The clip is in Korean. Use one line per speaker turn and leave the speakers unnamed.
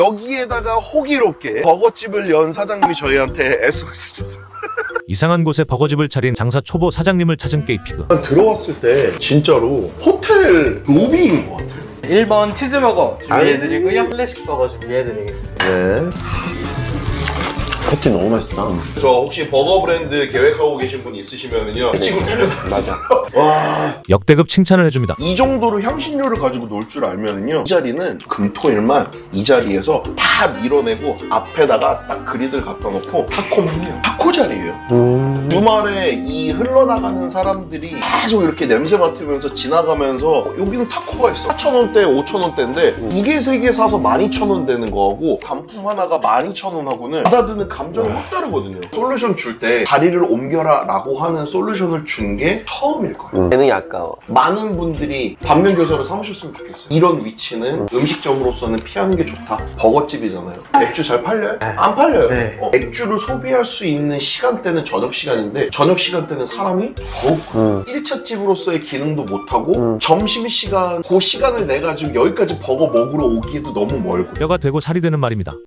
여기에다가 호기롭게 버거집을 연 사장님이 저희한테 SOS 줬어요.
이상한 곳에 버거집을 차린 장사 초보 사장님을 찾은 게이피그.
들어왔을 때 진짜로 호텔 로비인 것 같아요.
1번 치즈버거 준비해드리고요. 클래식 버거 준비해드리겠습니다.
네.
패티 너무 맛있다.
저 혹시 버거 브랜드 계획하고 계신 분 있으시면은요. 지금
맞아.
와,
역대급 칭찬을 해줍니다.
이 정도로 향신료를 가지고 놀 줄 알면은요. 이 자리는 금토일만 이 자리에서 다 밀어내고 앞에다가 딱 그리들 갖다 놓고 타코만 해요. 타코 자리예요. 주말에 이 흘러나가는 사람들이 계속 이렇게 냄새 맡으면서 지나가면서 여기는 타코가 있어. 4,000원대, 5,000원대인데 두 개, 세 개 사서 12,000원 되는 거하고 단품 하나가 12,000원하고는 받아드는 감정이 확 다르거든요. 솔루션 줄 때 다리를 옮겨라 라고 하는 솔루션을 준 게 처음일 거예요.
재능이 아까워.
많은 분들이 반면교사를 삼으셨으면 좋겠어요. 이런 위치는 음식점으로서는 피하는 게 좋다. 버거집이잖아요. 맥주 잘 팔려요? 안 팔려요.
네.
맥주를 소비할 수 있는 시간대는 저녁 시간인데 저녁 시간대는 사람이 더욱 1차 집으로서의 기능도 못하고 점심시간 그 시간을 내가지고 여기까지 버거 먹으러 오기에도 너무 멀고
뼈가 되고 살이 되는 말입니다.